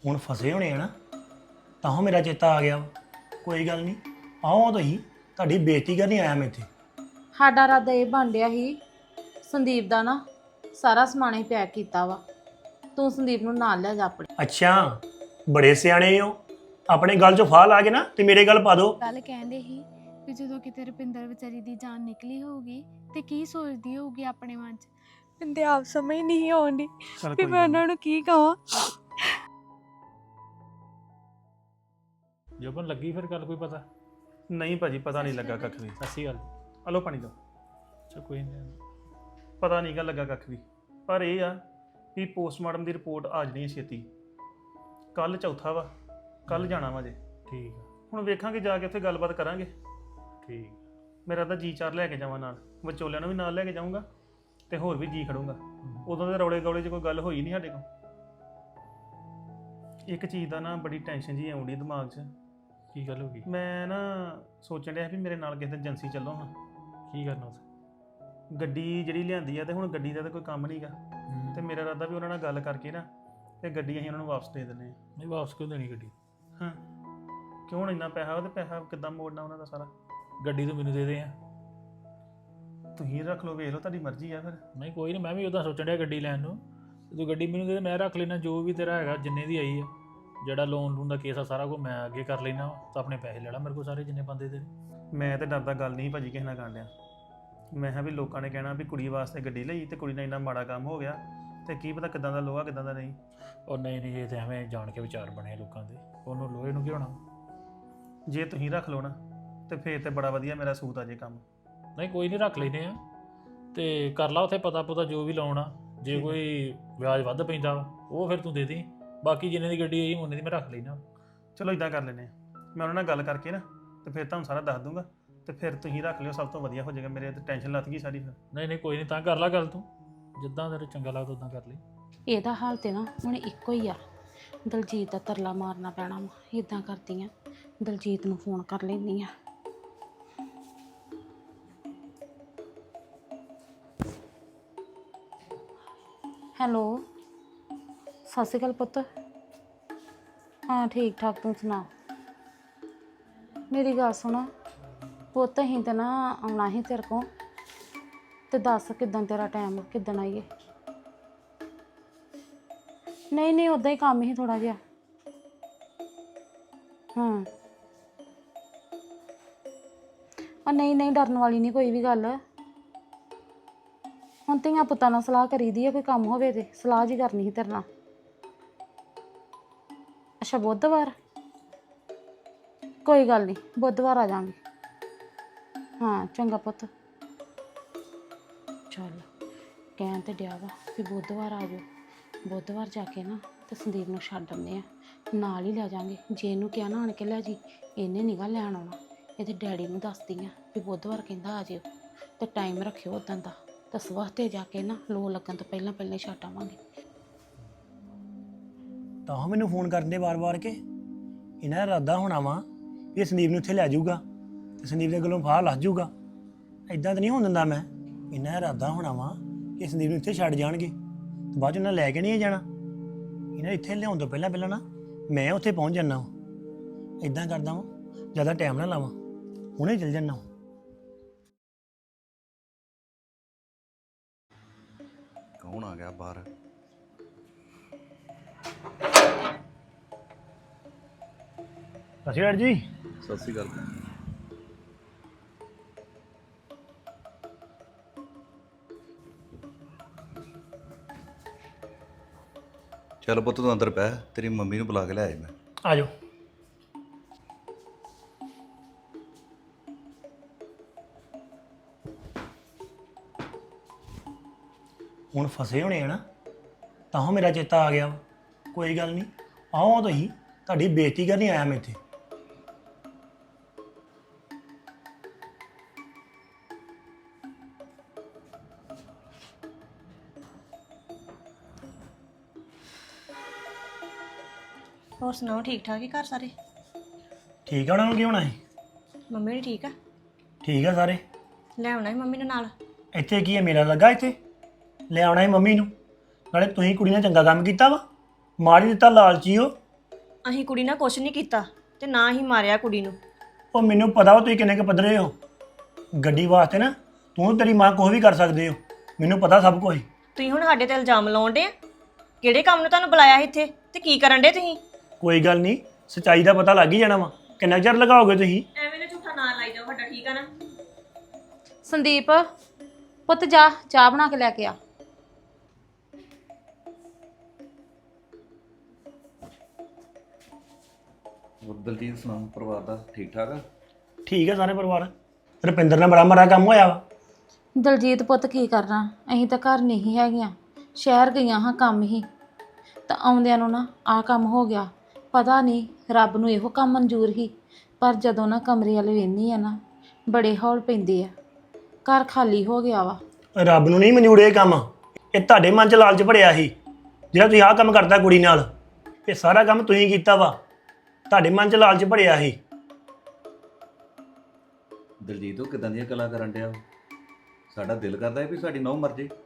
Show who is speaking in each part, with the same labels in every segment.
Speaker 1: ਹੁਣ ਫਸੇ ਹੋਣੇ ਆ ਨਾ ਤਾਂ ਮੇਰਾ ਚੇਤਾ ਆ ਗਿਆ ਵਾ। ਕੋਈ ਗੱਲ ਨਹੀਂ, ਆਓ ਤੁਸੀਂ, ਤੁਹਾਡੀ ਬੇਇੱਜ਼ਤੀ ਕਰਨੀ ਆਇਆ ਮੈਂ ਇੱਥੇ।
Speaker 2: ਸਾਡਾ ਇਰਾਦਾ ਇਹ ਬਣ ਰਿਹਾ ਸੀ ਸੰਦੀਪ ਦਾ ਨਾ ਸਾਰਾ ਸਮਾਨ ਹੀ ਪੈਕ ਕੀਤਾ ਵਾ, ਤੂੰ ਸੰਦੀਪ ਨੂੰ ਨਾਲ ਲੈ ਜਾ ਆਪਣੇ।
Speaker 1: ਅੱਛਾ, ਬੜੇ ਸਿਆਣੇ ਹੋ, ਆਪਣੇ ਗੱਲ 'ਚੋਂ ਫਾਹ ਲਾ ਕੇ ਨਾ ਤੇ ਮੇਰੇ ਗੱਲ ਪਾ ਦਿਓ।
Speaker 3: ਗੱਲ ਕਹਿੰਦੇ ਸੀ ਵੀ ਜਦੋਂ ਕਿਤੇ ਰੁਪਿੰਦਰ ਵਿਚਾਰੀ ਦੀ ਜਾਨ ਨਿਕਲੀ ਹੋਊਗੀ ਤੇ ਕੀ ਸੋਚਦੀ ਹੋਊਗੀ ਆਪਣੇ ਮਨ 'ਚ। ਮੈਨੂੰ ਤੇ ਆਪ ਸਮਝ ਨਹੀਂ ਆਉਂਦੀ ਵੀ ਮੈਂ ਉਹਨਾਂ ਨੂੰ ਕੀ ਕਹਾਂ।
Speaker 4: ਜੋਬਨ ਲੱਗੀ ਫਿਰ ਗੱਲ ਕੋਈ ਪਤਾ?
Speaker 1: ਨਹੀਂ ਭਾਜੀ, ਪਤਾ ਨਹੀਂ ਲੱਗਾ ਕੱਖ ਵੀ।
Speaker 4: ਸੱਚੀ ਗੱਲ?
Speaker 1: ਹਲੋ ਪਾਣੀ ਦਿਓ।
Speaker 4: ਚਾ ਕੋਈ ਨਹੀਂ।
Speaker 1: ਪਤਾ ਨਹੀਂ ਗਾ ਲੱਗਾ ਕੱਖ ਵੀ, ਪਰ ਇਹ ਆ ਵੀ ਪੋਸਟਮਾਰਟਮ ਦੀ ਰਿਪੋਰਟ ਆ ਜਾਣੀ ਹੈ ਛੇਤੀ। ਕੱਲ ਚੌਥਾ ਵਾ, ਕੱਲ ਜਾਣਾ ਵਾ ਜੇ।
Speaker 4: ਠੀਕ ਆ।
Speaker 1: ਹੁਣ ਵੇਖਾਂਗੇ ਜਾ ਕੇ ਉੱਥੇ ਗੱਲਬਾਤ ਕਰਾਂਗੇ।
Speaker 4: ਠੀਕ।
Speaker 1: ਮੇਰਾ ਤਾਂ ਜੀ ਚਾਰ ਲੈ ਕੇ ਜਾਵਾਂ ਨਾਲ, ਵਿਚੋਲਿਆਂ ਨੂੰ ਵੀ ਨਾਲ ਲੈ ਕੇ ਜਾਊਂਗਾ ਤੇ ਹੋਰ ਵੀ ਜੀ ਖੜੂੰਗਾ। ਉਦੋਂ ਦੇ ਰੌਲੇ ਗੌਲੇ 'ਚ ਕੋਈ ਗੱਲ ਹੋਈ ਨਹੀਂ ਸਾਡੇ ਕੋਲ। ਇੱਕ ਚੀਜ਼ ਦਾ ਨਾ ਬੜੀ ਟੈਨਸ਼ਨ ਜੀ ਆਉਂਦੀ ਦਿਮਾਗ 'ਚ।
Speaker 4: ਕੀ ਗੱਲ ਹੋ ਗਈ?
Speaker 1: ਮੈਂ ਨਾ ਸੋਚਣ ਡਿਆ ਵੀ ਮੇਰੇ ਨਾਲ ਕਿਸੇ ਦਿਨ ਏਜੰਸੀ ਚੱਲੋ ਹਾਂ।
Speaker 4: ਕੀ ਕਰਨਾ ਉੱਥੇ?
Speaker 1: ਗੱਡੀ ਜਿਹੜੀ ਲਿਆਂਦੀ ਆ ਤੇ ਹੁਣ ਗੱਡੀ ਦਾ ਤਾਂ ਕੋਈ ਕੰਮ ਨਹੀਂਗਾ, ਤੇ ਮੇਰਾ ਇਰਾਦਾ ਵੀ ਉਹਨਾਂ ਨਾਲ ਗੱਲ ਕਰਕੇ ਨਾ ਤੇ ਗੱਡੀ ਅਸੀਂ ਉਹਨਾਂ ਨੂੰ ਵਾਪਸ ਦੇ ਦਿੰਦੇ ਹਾਂ।
Speaker 4: ਨਹੀਂ ਵਾਪਸ ਕਿਉਂ ਦੇਣੀ ਗੱਡੀ?
Speaker 1: ਹਾਂ, ਕਿਉਂ ਹੁਣ ਇੰਨਾ ਪੈਸਾ ਤੇ ਪੈਸਾ ਕਿੱਦਾਂ ਮੋੜਨਾ ਉਹਨਾਂ ਦਾ ਸਾਰਾ?
Speaker 4: ਗੱਡੀ ਤੂੰ ਮੈਨੂੰ ਦੇ ਦੇ ਆ।
Speaker 1: ਤੁਸੀਂ ਰੱਖ ਲਓ, ਵੇਖ ਲਓ, ਤੁਹਾਡੀ ਮਰਜ਼ੀ ਆ ਫਿਰ।
Speaker 4: ਨਹੀਂ ਕੋਈ ਨਹੀਂ, ਮੈਂ ਵੀ ਉਦਾਂ ਸੋਚਣ ਡਿਆ ਗੱਡੀ ਲੈਣ ਨੂੰ। ਤੂੰ ਗੱਡੀ ਮੈਨੂੰ ਦੇ ਦੇ, ਮੈਂ ਰੱਖ ਲੈਣਾ ਜੋ ਵੀ ਤੇਰਾ ਹੈਗਾ, ਜਿੰਨੇ ਦੀ ਆਈ ਆ। ਜਿਹੜਾ ਲੋਨ ਲੂਨ ਦਾ ਕੇਸ ਆ ਸਾਰਾ ਕੁਝ ਮੈਂ ਅੱਗੇ ਕਰ ਲੈਣਾ, ਤਾਂ ਆਪਣੇ ਪੈਸੇ ਲੈ ਲਾ ਮੇਰੇ ਕੋਲ ਸਾਰੇ ਜਿੰਨੇ ਬੰਦੇ ਦੇ।
Speaker 1: ਮੈਂ ਤੇ ਡਰਦਾ ਗੱਲ ਨਹੀਂ ਭਾਜੀ ਕਿਸੇ ਨਾਲ ਕਰਨ ਡਿਆ। ਮੈਂ ਕਿਹਾ ਵੀ ਲੋਕਾਂ ਨੇ ਕਹਿਣਾ ਵੀ ਕੁੜੀ ਵਾਸਤੇ ਗੱਡੀ ਲਈ ਤੇ ਕੁੜੀ ਨਾਲ ਇੰਨਾ ਮਾੜਾ ਕੰਮ ਹੋ ਗਿਆ, ਤੇ ਕੀ ਪਤਾ ਕਿੱਦਾਂ ਦਾ ਲੋਹਾ ਕਿੱਦਾਂ ਦਾ ਨਹੀਂ।
Speaker 4: ਉਹ ਨਹੀਂ ਨਹੀਂ, ਇਹ ਤਾਂ ਐਵੇਂ ਜਾਣ ਕੇ ਵਿਚਾਰ ਬਣੇ ਲੋਕਾਂ ਦੇ, ਉਹਨੂੰ ਲੋਹੇ ਨੂੰ ਕੀ ਹੋਣਾ।
Speaker 1: ਜੇ ਤੁਸੀਂ ਰੱਖ ਲਓ ਨਾ ਤੇ ਫੇਰ ਤੇ ਬੜਾ ਵਧੀਆ ਮੇਰਾ ਸੂਤ ਆ ਜੇ ਕੰਮ।
Speaker 4: ਨਹੀਂ ਕੋਈ ਨਹੀਂ, ਰੱਖ ਲੈਨੇ ਆ ਤੇ ਕਰ ਲਾ ਉੱਥੇ ਪਤਾ ਪੁਤਾ ਜੋ ਵੀ ਲਾਉਣਾ। ਜੇ ਕੋਈ ਵਿਆਜ ਵੱਧ ਪੈਂਦਾ ਉਹ ਫਿਰ ਤੂੰ ਦੇ ਦੇ, ਬਾਕੀ ਜਿੰਨੇ ਦੀ ਗੱਡੀ ਆਈ ਉਹਨੇ ਦੀ ਮੈਂ ਰੱਖ ਲੈਣਾ।
Speaker 1: ਚਲੋ ਇਦਾਂ ਕਰ ਲੈਂਦੇ ਹਾਂ, ਮੈਂ ਉਹਨਾਂ ਨਾਲ ਗੱਲ ਕਰਕੇ ਨਾ ਤੇ ਫਿਰ ਤੁਹਾਨੂੰ ਸਾਰਾ ਦੱਸ ਦੂੰਗਾ, ਤੇ ਫਿਰ ਤੁਸੀਂ ਰੱਖ ਲਿਓ, ਸਭ ਤੋਂ ਵਧੀਆ ਹੋ ਜਾਏਗਾ। ਮੇਰੇ ਤੇ ਟੈਨਸ਼ਨ ਲੱਥ ਗਈ ਸਾਰੀ ਫਿਰ।
Speaker 4: ਨਹੀਂ ਨਹੀਂ ਕੋਈ ਨਹੀਂ, ਤਾਂ ਕਰ ਲਾ ਗੱਲ, ਤੂੰ ਜਿੱਦਾਂ ਤੇਰੇ ਚੰਗਾ ਲੱਗਦਾ ਉਦਾਂ ਕਰ ਲਈ।
Speaker 2: ਇਹਦਾ ਹਾਲ ਤੇ ਨਾ ਹੁਣ ਇੱਕੋ ਹੀ ਆ, ਦਲਜੀਤ ਦਾ ਤਰਲਾ ਮਾਰਨਾ ਪੈਣਾ ਵਾ। ਇਦਾਂ ਕਰਦੀ ਆ, ਦਲਜੀਤ ਨੂੰ ਫੋਨ ਕਰ ਲੈਂਦੀ ਆ। ਹੈਲੋ, ਸਤਿ ਸ਼੍ਰੀ ਅਕਾਲ ਪੁੱਤ। ਹਾਂ ਠੀਕ ਠਾਕ, ਤੂੰ ਸੁਣਾ? ਮੇਰੀ ਗੱਲ ਸੁਣ ਪੁੱਤ, ਅਸੀਂ ਤਾਂ ਨਾ ਆਉਣਾ ਸੀ ਤੇਰੇ ਕੋਲ, ਤੇ ਦੱਸ ਕਿੱਦਾਂ ਤੇਰਾ ਟਾਈਮ, ਕਿੱਦਣ ਆਈਏ? ਨਹੀਂ ਨਹੀਂ, ਉੱਦਾਂ ਹੀ ਕੰਮ ਹੀ ਥੋੜ੍ਹਾ ਜਿਹਾ। ਹਾਂ ਨਹੀਂ ਨਹੀਂ, ਡਰਨ ਵਾਲੀ ਨਹੀਂ ਕੋਈ ਵੀ ਗੱਲ। ਹੁਣ ਧੀਆਂ ਪੁੱਤਾਂ ਨਾਲ ਸਲਾਹ ਕਰੀਦੀ ਹੈ, ਕੋਈ ਕੰਮ ਹੋਵੇ ਤੇ ਸਲਾਹ ਜੀ ਕਰਨੀ ਸੀ ਤੇਰੇ ਨਾਲ। ਅੱਛਾ ਬੁੱਧਵਾਰ, ਕੋਈ ਗੱਲ ਨਹੀਂ, ਬੁੱਧਵਾਰ ਆ ਜਾਵਾਂਗੇ। ਹਾਂ ਚੰਗਾ ਪੁੱਤ। ਚੱਲ ਕਹਿਣ ਤੇ ਡਿਆ ਵਾ ਵੀ ਬੁੱਧਵਾਰ ਆ ਜਾਓ। ਬੁੱਧਵਾਰ ਜਾ ਕੇ ਨਾ ਤੇ ਸੰਦੀਪ ਨੂੰ ਛੱਡ ਆਉਂਦੇ ਆ, ਨਾਲ ਹੀ ਲੈ ਜਾਵਾਂਗੇ। ਜੇ ਇਹਨੂੰ ਕਿਹਾ ਨਾ ਆਣ ਕੇ ਲੈ ਜੀ, ਇਹਨੇ ਨਿਗਾ ਲੈਣ ਆਉਣਾ। ਇਹਦੇ ਡੈਡੀ ਨੂੰ ਦੱਸਦੀ ਆ ਵੀ ਬੁੱਧਵਾਰ ਕਹਿੰਦਾ ਆ ਜਿਓ, ਤੇ ਟਾਈਮ ਰੱਖਿਓ ਉਦੋਂ ਦਾ, ਤਾਂ ਸਵੇਰ ਤੇ ਜਾ ਕੇ ਨਾ ਲੋ ਲੱਗਣ ਤੋਂ ਪਹਿਲਾਂ ਪਹਿਲਾਂ ਛੱਡ ਆਵਾਂਗੇ।
Speaker 1: ਤਾਂ ਮੈਨੂੰ ਫੋਨ ਕਰਨ ਦੇ ਵਾਰ-ਵਾਰ ਕੇ ਇਹਨਾਂ ਦਾ ਇਰਾਦਾ ਹੋਣਾ ਵਾ ਵੀ ਇਹ ਸੰਦੀਪ ਨੂੰ ਇੱਥੇ ਲੈ ਜਾਊਗਾ ਤੇ ਸੰਦੀਪ ਦੇ ਗਲੋਂ ਫਾਹ ਲੱਜ ਜਾਊਗਾ। ਇਦਾਂ ਤਾਂ ਨਹੀਂ ਹੋਣ ਦਿੰਦਾ ਮੈਂ। ਇਹਨਾਂ ਦਾ ਇਰਾਦਾ ਹੋਣਾ ਵਾ ਕਿ ਸੰਦੀਪ ਨੂੰ ਇੱਥੇ ਛੱਡ ਜਾਣਗੇ ਤੇ ਬਾਅਦ 'ਚ ਉਹਨਾਂ ਲੈ ਕੇ ਨਹੀਂ ਜਾਣਾ। ਇਹਨਾਂ ਇੱਥੇ ਲਿਆਉਣ ਤੋਂ ਪਹਿਲਾਂ ਪਹਿਲਾਂ ਨਾ ਮੈਂ ਉੱਥੇ ਪਹੁੰਚ ਜਾਂਦਾ ਵਾਂ। ਇਦਾਂ ਕਰਦਾ ਵਾਂ, ਜ਼ਿਆਦਾ ਟਾਈਮ ਨਾ ਲਾਵਾਂ, ਹੁਣੇ ਚੱਲ ਜਾਂਦਾ ਵਾਂ।
Speaker 5: ਕੌਣ ਆ ਗਿਆ ਬਾਹਰ?
Speaker 1: ਸਤਿ ਸ਼੍ਰੀ ਅਕਾਲ ਜੀ।
Speaker 5: ਸਤਿ ਸ਼੍ਰੀ ਅਕਾਲ। ਚੱਲ ਪੁੱਤ ਤੂੰ ਅੰਦਰ ਪੈ, ਤੇਰੀ ਮੰਮੀ ਨੂੰ ਬੁਲਾ ਕੇ ਲੈ ਆਇਆ ਮੈਂ।
Speaker 1: ਆ ਜਾਓ। ਹੁਣ ਫਸੇ ਹੋਣੇ ਆ ਨਾ ਤਾਂ ਮੇਰਾ ਚੇਤਾ ਆ ਗਿਆ ਵਾ। ਕੋਈ ਗੱਲ ਨਹੀਂ, ਆਓ ਤੁਸੀਂ, ਤੁਹਾਡੀ ਬੇਇੱਜ਼ਤੀ ਕਰਨੀ ਆਇਆ ਮੈਂ ਇੱਥੇ।
Speaker 6: ਹੋਰ ਸੁਣਾਓ, ਠੀਕ ਠਾਕ ਹੀ ਘਰ ਸਾਰੇ?
Speaker 1: ਠੀਕ ਆ, ਉਹਨਾਂ ਨੂੰ ਕੀ ਹੋਣਾ ਹੈ?
Speaker 6: ਮੰਮੀ ਵੀ ਠੀਕ ਆ?
Speaker 1: ਠੀਕ ਆ ਸਾਰੇ।
Speaker 6: ਲੈ ਆਉਣਾ ਸੀ ਮੰਮੀ ਨੂੰ ਨਾਲ।
Speaker 1: ਇੱਥੇ ਕੀ ਹੈ, ਮੇਰਾ ਲੱਗਾ ਇੱਥੇ ਲੈ ਆਉਣਾ ਹੈ ਮੰਮੀ ਨੂੰ। ਨਾਲੇ ਤੁਸੀਂ ਕੁੜੀ ਨੇ ਚੰਗਾ ਕੰਮ ਕੀਤਾ ਵਾ, ਮਾਰ ਹੀ ਦਿੱਤਾ ਲਾਲਚੀ ਹੋ
Speaker 6: ਅਸੀਂ ਕੁੜੀ ਨਾਲ ਕੁਛ ਨਹੀਂ ਕੀਤਾ ਤੇ ਨਾ ਹੀ ਮਾਰਿਆ ਕੁੜੀ ਨੂੰ।
Speaker 1: ਉਹ ਮੈਨੂੰ ਪਤਾ ਵਾ ਤੁਸੀਂ ਕਿੰਨੇ ਕੁ ਪੱਧਰੇ ਹੋ। ਗੱਡੀ ਵਾਸਤੇ ਨਾ ਤੂੰ ਤੇਰੀ ਮਾਂ ਕੁਛ ਵੀ ਕਰ ਸਕਦੇ ਹੋ, ਮੈਨੂੰ ਪਤਾ ਸਭ ਕੁਝ।
Speaker 6: ਤੁਸੀਂ ਹੁਣ ਸਾਡੇ ਤੇ ਇਲਜ਼ਾਮ ਲਾਉਂਦੇ ਆ? ਕਿਹੜੇ ਕੰਮ ਨੂੰ ਤੁਹਾਨੂੰ ਬੁਲਾਇਆ ਇੱਥੇ ਤੇ ਕੀ ਕਰਨ ਡੇ ਤੁਸੀਂ?
Speaker 1: ਕੋਈ ਗੱਲ ਨਹੀਂ, ਸੱਚਾਈ ਦਾ ਪਤਾ ਲੱਗ ਹੀ ਜਾਣਾ ਵਾ। ਕਿੰਨਾ ਚਿਰ ਲਗਾਓਗੇ ਤੁਸੀਂ?
Speaker 6: ਐਵੇਂ ਨਾ ਝੂਠਾ ਨਾ ਲਾਈ ਜਾਓ ਸਾਡਾ, ਠੀਕ ਆ ਨਾ?
Speaker 2: ਸੰਦੀਪ ਪੁੱਤ ਜਾ ਚਾਹ ਬਣਾ ਕੇ ਲੈ ਕੇ ਆ।
Speaker 5: ਹੋਰ ਦਲਜੀਤ ਸੁਣਾ, ਪਰਿਵਾਰ ਦਾ ਠੀਕ ਠਾਕ ਆ?
Speaker 1: ਠੀਕ ਹੈ ਸਾਰੇ ਪਰਿਵਾਰ। ਰੁਪਿੰਦਰ ਨਾਲ ਬੜਾ ਮਾੜਾ ਕੰਮ ਹੋਇਆ ਵਾ।
Speaker 2: ਦਲਜੀਤ ਪੁੱਤ ਕੀ ਕਰਨਾ, ਅਸੀਂ ਤਾਂ ਘਰ ਨਹੀਂ ਹੈਗੀਆਂ, ਸ਼ਹਿਰ ਗਈਆਂ ਹਾਂ ਕੰਮ ਹੀ, ਤਾਂ ਆਉਂਦਿਆਂ ਨੂੰ ਨਾ ਆਹ ਕੰਮ ਹੋ ਗਿਆ। ਪਤਾ ਨਹੀਂ ਰੱਬ ਨੂੰ ਇਹੋ ਕੰਮ ਮਨਜ਼ੂਰ ਹੀ, ਪਰ ਜਦੋਂ ਨਾ ਕਮਰੇ ਵਾਲੇ ਵੇਖਦੀ ਆ ਨਾ ਬੜੇ ਹੌਲ ਪੈਂਦੇ ਆ। ਘਰ ਖਾਲੀ ਹੋ ਗਿਆ ਵਾ।
Speaker 1: ਰੱਬ ਨੂੰ ਨਹੀਂ ਮਨਜ਼ੂਰ ਇਹ ਕੰਮ, ਇਹ ਤੁਹਾਡੇ ਮਨ 'ਚ ਲਾਲਚ ਭਰਿਆ ਸੀ ਜਿਹੜਾ ਤੁਸੀਂ ਆਹ ਕੰਮ ਕਰਤਾ ਕੁੜੀ ਨਾਲ। ਇਹ ਸਾਰਾ ਕੰਮ ਤੁਸੀਂ ਕੀਤਾ ਵਾ, ਤੁਹਾਡੇ ਮਨ 'ਚ ਲਾਲਚ ਭਰਿਆ ਸੀ।
Speaker 5: ਦਲਜੀਤ ਉਹ ਕਿਦਾਂ ਦੀਆਂ ਗੱਲਾਂ ਕਰਨ ਡਿਆ? ਸਾਡਾ ਦਿਲ ਕਰਦਾ ਹੈ ਵੀ ਸਾਡੀ ਨੌਂ ਮਰ ਜੇ।